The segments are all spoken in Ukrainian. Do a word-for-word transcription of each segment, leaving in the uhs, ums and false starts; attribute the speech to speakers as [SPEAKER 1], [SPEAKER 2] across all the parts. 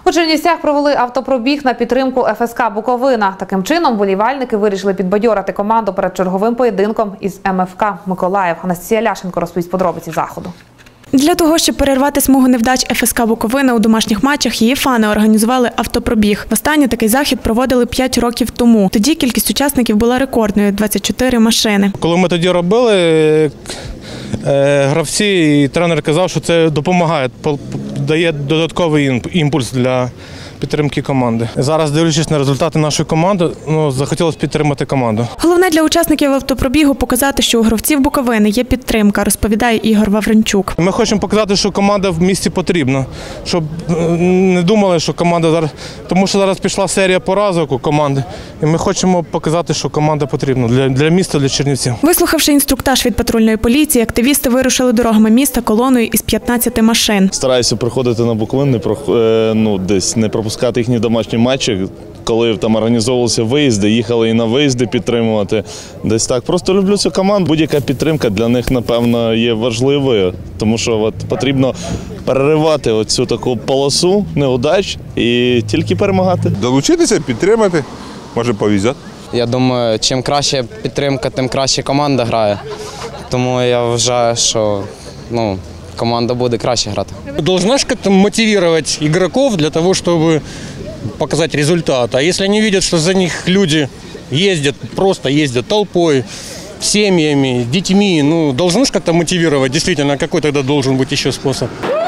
[SPEAKER 1] У Чернівцях провели автопробіг на підтримку еф ес ка «Буковина». Таким чином, вболівальники вирішили підбадьорити команду перед черговим поєдинком із ем еф ка «Миколаїв». Анастасія Ляшенко розповість подробиці заходу.
[SPEAKER 2] Для того, щоб перервати смугу невдач еф ес ка «Буковина» у домашніх матчах, її фани організували автопробіг. Востаннє такий захід проводили п'ять років тому. Тоді кількість учасників була рекордною – двадцять чотири машини.
[SPEAKER 3] Коли ми тоді робили, гравці і тренер казав, що це допомагає, дає додатковий імпульс для підтримки команди. Зараз, дивлячись на результати нашої команди, ну, захотілося підтримати команду.
[SPEAKER 2] Головне для учасників автопробігу – показати, що у гравців Буковини є підтримка, розповідає Ігор Вавренчук.
[SPEAKER 3] Ми хочемо показати, що команда в місті потрібна, щоб не думали, що команда зараз… Тому що зараз пішла серія поразок у команди, і ми хочемо показати, що команда потрібна для, для міста, для Чернівців.
[SPEAKER 2] Вислухавши інструктаж від патрульної поліції, активісти вирушили дорогами міста колоною із п'ятнадцяти машин.
[SPEAKER 4] Стараюся приходити на Буковину, ну, десь не пропускати їхні домашні матчі, коли там організовувалися виїзди, їхали і на виїзди підтримувати. Десь так. Просто люблю цю команду. Будь-яка підтримка для них, напевно, є важливою, тому що от потрібно переривати оцю таку полосу неудач і тільки перемагати.
[SPEAKER 5] Долучитися, підтримати, може повезет.
[SPEAKER 6] Я думаю, чим краще підтримка, тим краще команда грає. Тому я вважаю, що ну, команда буде краще грати.
[SPEAKER 7] Должна же как-то мотивировать игроков для того, чтобы показать результат. А если они видят, что за них люди ездят, просто ездят толпой, семьями, детьми, ну, должны же как-то мотивировать. Действительно, какой тогда должен быть еще способ?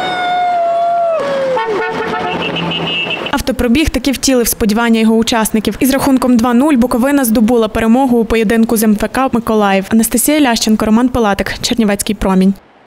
[SPEAKER 2] Автопробіг таки втілив сподівання його учасників. Із рахунком два нуль Буковина здобула перемогу у поєдинку з ем еф ка «Миколаїв». Анастасія Ляшенко, Роман Пилатик, Чернівецький промінь.